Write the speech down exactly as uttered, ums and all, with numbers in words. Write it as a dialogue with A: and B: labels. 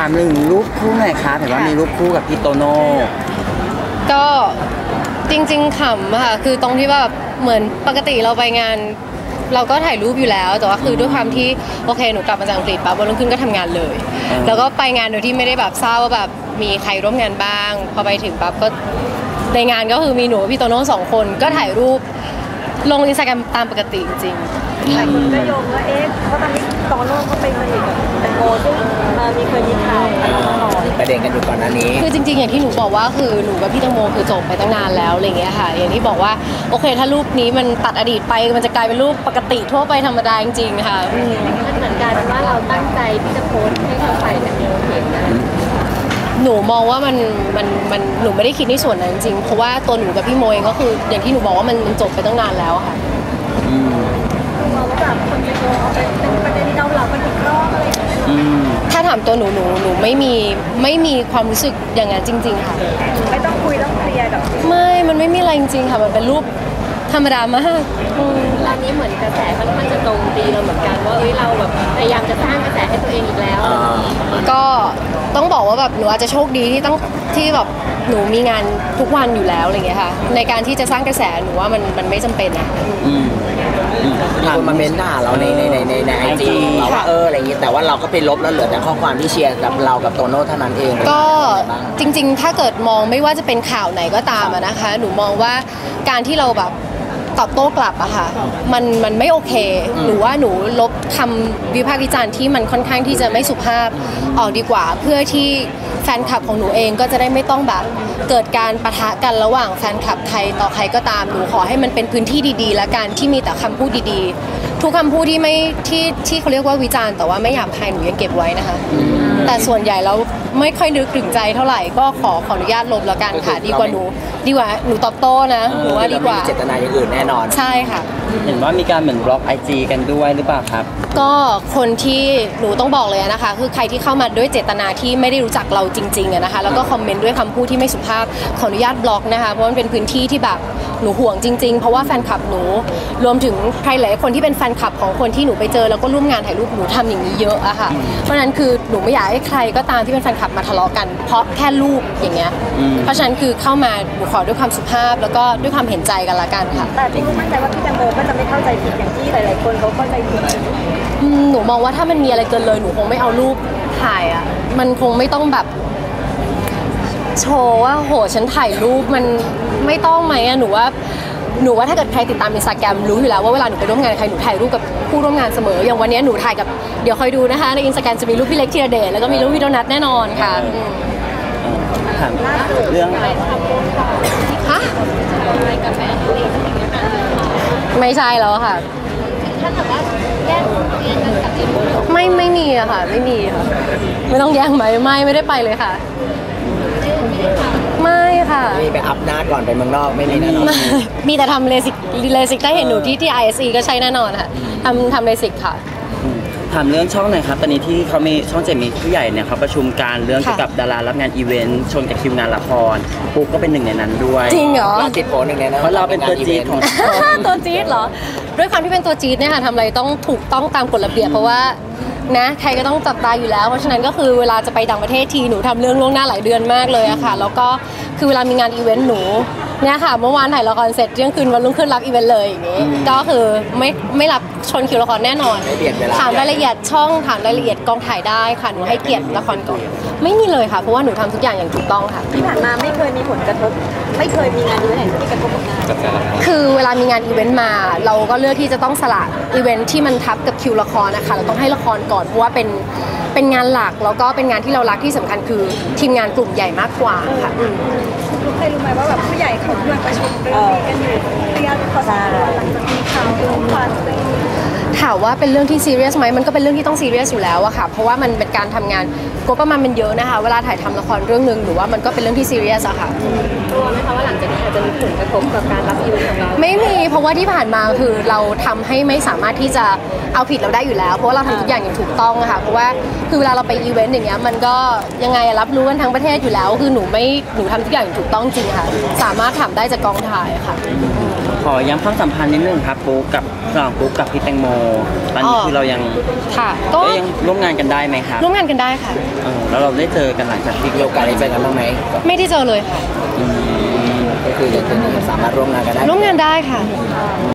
A: ามหนึ่งรูปคู่หน่อยครับเห็นว่ามีรูปคู่กับพี่โตโน่
B: ก็จริงๆขำค่ะคือตรงที่ว่าเหมือนปกติเราไปงานเราก็ถ่ายรูปอยู่แล้วแต่ว่าคือด้วยความที่โอเคหนูกลับมาจากอังกฤษปั๊บวันรุ่งขึ้นก็ทำงานเลยแล้วก็ไปงานโดยที่ไม่ได้แบบทราบว่าแบบมีใครร่วมงานบ้างพอไปถึงปั๊บก็ในงานก็คือมีหนูพี่โตโน่สองคนก็ถ่ายรูปลงอินสตาแกรมตามปกติจริง
C: หลายคนก็โยงว่าเอ๊ะเพราะตอนนี้โตโน่เขาเป็นคนอีกแตงโมซึ่งมีเคยมีข่าว
D: ประเด็นกันอยู่ก่อนหน้านี้
B: คือจริงๆอย่างที่หนูบอกว่าคือหนูกับพี่แตงโมคือจบไปตั้งนานแล้วอะไรเงี้ยค่ะอย่างที่บอกว่าโอเคถ้ารูปนี้มันตัดอดีตไปมันจะกลายเป็นรูปปกติทั่วไปธรรมดาจริงๆค่ะ
C: มันเหมือนกันว่าเราตั้งใจที่จะโพสให้เขาใส่แต่โมเห็นนะ
B: หนูมองว่ามันมันมันหนูไม่ได้คิดในส่วนนั้นจริงเพราะว่าตัวหนูกับพี่โมเองก็คืออย่างที่หนูบอกว่ามันมันจบไปตั้งนานแล้วค่ะ
C: มองว่าแบบคนจะโยงเอาไปเป็นประเด็นเกาเหลากันอีกรอบอะไร
B: ถ้าถามตัวหนูหนูหนูไม่มีไม่มีความรู้สึกอย่างนั้นจริงๆค่ะ
C: ไม่ต้องคุยต้องเคลียร์กับ
B: ไม่มันไม่มีอะไรจริงๆค่ะมันเป็นรูปธรรมดามาก
C: ร้านนี้เหมือนกระแสค่อนข้างจะตรงตีเราเหมือนกันว่าเฮ้ยเราแบบพยายามจะสร้างกระแสให้ตัวเองอีกแล้ว
B: ก็ต้องบอกว่าแบบหนูอาจจะโชคดีที่ต้องที่แบบหนูมีงานทุกวันอยู่แล้วอะไรเงี้ยค่ะในการที่จะสร้างกระแสหนูว่ามันมันไม่จำเป็นนะ
D: มีคนมาเม้นด่าเราในในในในในไอจีเราว่าเอออะไรอย่างงี้แต่ว่าเราก็ไปลบแล้วเหลือแต่ข้อความที่เชียร์กับเรากับโตโน่เท่านั้นเอง
B: ก็จริงๆถ้าเกิดมองไม่ว่าจะเป็นข่าวไหนก็ตามนะคะหนูมองว่าการที่เราแบบตอบโต้กลับอะค่ะมันมันไม่โอเคหนูว่าหนูลบคำวิพากษ์วิจารณ์ที่มันค่อนข้างที่จะไม่สุภาพออกดีกว่าเพื่อที่แฟนคลับของหนูเองก็จะได้ไม่ต้องแบบเกิดการปะทะกันระหว่างแฟนคลับใครต่อใครก็ตามหนูขอให้มันเป็นพื้นที่ดีๆและการที่มีแต่คำพูดดีๆทุกคำพูดที่ไม่ที่ที่เขาเรียกว่าวิจารณ์แต่ว่าไม่หยาบคายหนูยังเก็บไว้นะคะแต่ส่วนใหญ่แล้วไม่ค่อยนึกถึงใจเท่าไหร่ก็ขอขออนุญาตลบแล้วกันค่ะดีกว่าหนูดีกว่าหนูตอบโต้นะหนูว่าดีกว่า
D: เจตนาอย่างอื่นแน่นอน
B: ใช่ค่ะ
A: เห็นว่ามีการเหมือนบล็อกไอจีกันด้วยหรือเปล่าครับ
B: ก็คนที่หนูต้องบอกเลยนะคะคือใครที่เข้ามาด้วยเจตนาที่ไม่ได้รู้จักเราจริงๆนะคะแล้วก็คอมเมนต์ด้วยคำพูดที่ไม่สุภาพขออนุญาตบล็อกนะคะเพราะมันเป็นพื้นที่ที่แบบหนูห่วงจริงๆเพราะว่าแฟนคลับหนูรวมถึงใครหลายคนที่เป็นแฟนคลับของคนที่หนูไปเจอแล้วก็ร่วมงานถ่ายรูปหนูทำอย่างนี้เยอะอะค่ะเพราะฉะนั้นคือหนูไม่อยากให้ใครก็ตามที่เป็นแฟนคลับมาทะเลาะกันเพราะแค่รูปอย่างเงี้ยเพราะฉะนั้นคือเข้ามาหนูขอด้วยความสุภาพแล้วก็ด้วยความเห็นใจกันละกันค่ะ
C: แต่ที่มั่นใจว่าพี่แตงโมก็จะไม่เข้าใจผิดอย่างที่หลายๆคนเขาเข้าใจผิด
B: หนูมองว่าถ้ามันมีอะไรเกินเลยหนูคงไม่เอารูปถ่ายอะมันคงไม่ต้องแบบโชว์ว่าโหฉันถ่ายรูปมันไม่ต้องไหมอะหนูว่าหนูว่าถ้าเกิดใครติดตามอินสตาแกรมรู้อยู่แล้วว่าเวลาหนูไปร่วมงานใครหนูถ่ายรูปกับผู้ร่วมงานเสมออย่างวันนี้หนูถ่ายกับเดี๋ยวคอยดูนะคะในอินสตาแกรมจะมีรูปพี่เล็กธีรเดชแล้วก็มีรูปพี่โดนัทแน่นอนค่ะ
A: ถามเรื่อง
B: ฮะไม่ใช่แล้วค่ะ
C: ถ้าเกิดว่าแยกเรียนกันกับเจมส์
B: ไม่ไม่มีอะค่ะไม่มีค่ะไม่ต้องแย่งไหมไม่ไม่ได้ไปเลยค่ะไม่ค่ะ
D: มีไปอัพหน้าก่อนไปเมืองนอกไม่มีแน่นอน
B: มีแต่ทำเลสิกเลสิกได้เห็นหนูที่ที่ ไอ เอส อี ก็ใช้แน่นอนค่ะทำทำเลสิกค่ะ
A: ถามเรื่องช่องหน่อยครับตอนนี้ที่เขามีช่องเจ็ดมีผู้ใหญ่เนี่ยเขาประชุมการเรื่องเกี่ยวกับดารารับงานอีเวนต์ชนกับคิวงานละครปุ๊กก็เป็นหนึ่งในนั้นด้วย
B: จริงเหรอ
D: เราติดโผล่หนึ่งในนั้น
A: เพราะเราเป็นตัวจี๊ดของ
B: ตัวจี๊ดเหรอด้วยความที่เป็นตัวจี๊ดเนี่ยค่ะทำอะไรต้องถูกต้องตามกฎระเบียบเพราะว่านะใครก็ต้องจับตาอยู่แล้วเพราะฉะนั้นก็คือเวลาจะไปต่างประเทศทีหนูทำเรื่องล่วงหน้าหลายเดือนมากเลยอะค่ะแล้วก็คือเวลามีงานอีเวนต์หนูเนี่ยค่ะเมื่อวานถ่ายละครเสร็จเที่ยงคืนวันรุ่งขึ้นรับอีเวนต์เลยอย่างงี้ก็คือไม่ไม่รับชนคิวละครแน่นอนถามรายละเอียดช่องถามรายละเอียดกองถ่ายได้ค่ะหนูให้เกียรติละครก่อนไม่มีเลยค่ะเพราะว่าหนูทำทุกอย่างอย่างถูกต้องค่ะ
C: ที่ผ่านมาไม่เคยมีผลกระทบไม่เคยมีงานอีเวนต์ที่กระทบกับงาน
B: คือเวลามีงานอีเวนต์มาเราก็เลือกที่จะต้องสละอีเวนต์ที่มันทับกับคิวละครนะคะเราต้องให้ละครก่อนเพราะว่าเป็นเป็นงานหลักแล้วก็เป็นงานที่เรารักที่สำคัญคือทีมงานกลุ่มใหญ่มากกว่าค่ะ
C: รู้ใครรู้ไหมว่าแบบผู้ใหญ่เขาเพื่อนประชุมเรื่องนี้กันอยู่ระยะพอสมควรหลังจากมีข่าวเรื่องความ
B: ถามว่าเป็นเรื่องที่ซีเรียสไหมมันก็เป็นเรื่องที่ต้องซีเรียสอยู่แล้วอะค่ะเพราะว่ามันเป็นการทำงานงบประมาณมันเยอะนะคะเวลาถ่ายทำละครเรื่องนึงหรือว่ามันก็เป็นเรื่องที่ซีเรียสอะค่ะ
C: กลัวไหมคะว่าหลังจากนี้อาจจะมีผลกระทบกับการรับอีเวนต์ของเรา
B: ไม่มีเพราะว่าที่ผ่านมาคือเราทำให้ไม่สามารถที่จะเอาผิดเราได้อยู่แล้วเพราะว่าเราทำทุกอย่างอย่างถูกต้องอะค่ะเพราะว่าคือเวลาเราไปอีเวนต์อย่างเงี้ยมันก็ยังไงรับรู้กันทั้งประเทศอยู่แล้วคือหนูไม่หนูทำทุกอย่างอย่างถูกต้องจริงค่ะสามารถทำได้จากกองถ่ายค่ะ
A: พออย้ำความสัมพันธ์นิดนึงครับปุ๊กกับระหว่างปุ๊กกับพี่แตงโมตอนนี้คือเรายัง
B: ค่ะก็
A: ก็ยังร่วมงานกันได้ไหมครับ
B: ร่วมงานกันได้ค่ะ
A: เออแล้วเราได้เจอกันหลังจากที่
D: มีโอกาสได้เจอกันบ้างไหม
B: ไม่ได้เจอเลยค่ะ
D: ก็คือจะสามารถร่วมงานกันได้
B: ร่วมงานได้ค่ะ